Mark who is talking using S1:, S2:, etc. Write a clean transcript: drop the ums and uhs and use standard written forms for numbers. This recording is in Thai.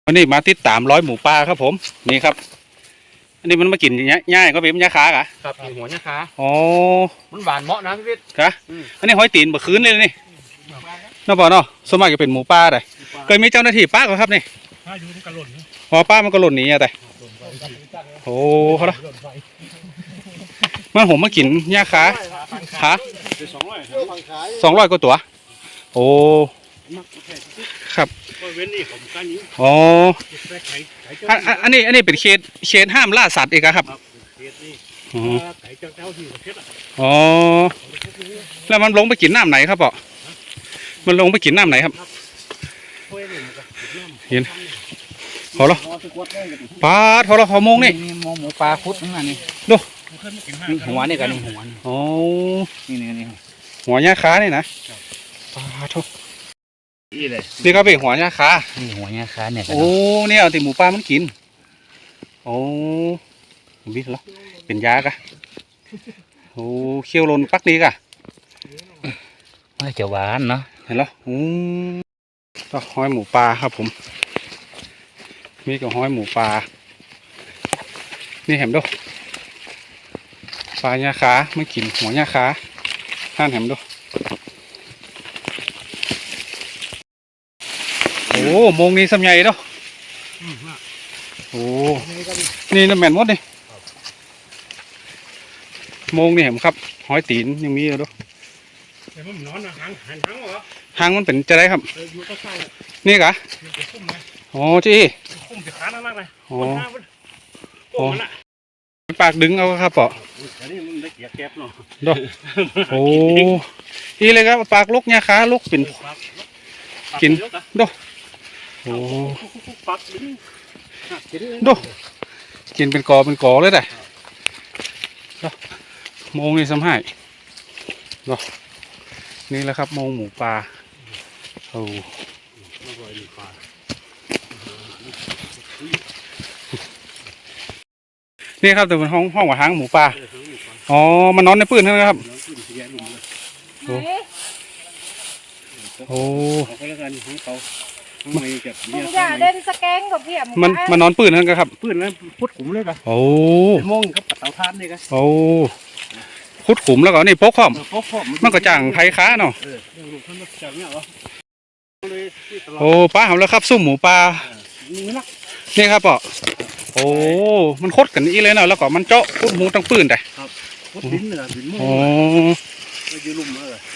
S1: วันนี้มาติดตามร้อยหมูป่าครับผมนี่ครับอันนี้มันมากินง่ายก็เป็นยาคากะ
S2: ครับหัวยาคา
S1: อ๋อ
S2: มันหวานเหมาะนะพี่วิทย์
S1: ครับอันนี้หอยตีนบะคืนเลยนี่น้าบอกเนาะสมัยจะเป็นหมูป่าได้เคยมีเจ้าหน้าที่ป้าก็ครับนี่
S2: อยู่มันกระหล่น
S1: พอป้ามันก็หล่นหนีอะแต่โอ้เขาละมันผมมากินยาคาฮะ200กว่าตัวโอ้ครับอ๋ออันนี้เป็นเขตห้ามล่าสัตว์เองครับอ๋อแล้วมันลงไปกินน้ำไหนครับปอมันลงไปกินน้ำไหนครับเห็นพอแล้วปลาทอละหอมงนี่
S2: มองหมูปลาคุดนั่นนี่
S1: ดู
S2: หัวนี่กันนี่หัว
S1: อ๋อ
S2: นี่
S1: หัวหญ้าคานี่นะปลาทุกนี่ก็เป็นหัวหญ้าคา
S2: นี่หัวหญ้าคาเนี่ย
S1: โอ้เนี่ยเอาแต่หมูปลามันกินโอ้บิดแล้วเป็นยากะโอ้เคี่ยวลนปักนี้กะ
S2: ไม่จะหวานเนาะ
S1: เห็นแล้วก็ห้อยหมูปลาครับผมมีกับห้อยหมูปลานี่เห็นดูปลาหญ้าคาไม่กินหัวหญ้าคาท่านเห็นดูโอ้มงนี้สำใหญ่เนาะโอ้นี่น้ำแมนมดนี่มงนี่เห็นครับหอยตีนยังมีอยู่ด้วยหางมันเป็นจะได้ครับนี่กะโอ้จีโอ้ปากดึงเอาครับปอดโอ้อีเลยครับปากลุกเนี่ยขาลุกเป็นกินดูโอ้ดูกินเป็นกอเลยแต่โมงนี่สำหายดูนี่แหละครับโมงหมูปลาโอ้นี่ครับแต่เป็นห้องว่าหางหมูปลาอ๋อมันนอนในปืนนะครับโอ้
S3: มึงอย่าเล่นสแกงกับพี่
S1: มันนอนปืนนั่นครับ
S2: ปืนแล้วพุดขุมเลยกัน
S1: โอ้
S2: มงกับเตาถ่านนี่กัน
S1: โอ้ขุดขุมแล้วก็นี่พกข้อมมันก็จ่างไทยค้าเนาะโอ้ป้าทำแล้วครับซุ่มหมูปลานี่ครับปอโอ้มันคดกันอีเลยเนาะแล้วก็มันเจาะขุดหมูตั้งปืนแต่
S2: พุดดินเหนือดินมง
S1: โอ้
S2: ยืลุ่มเลย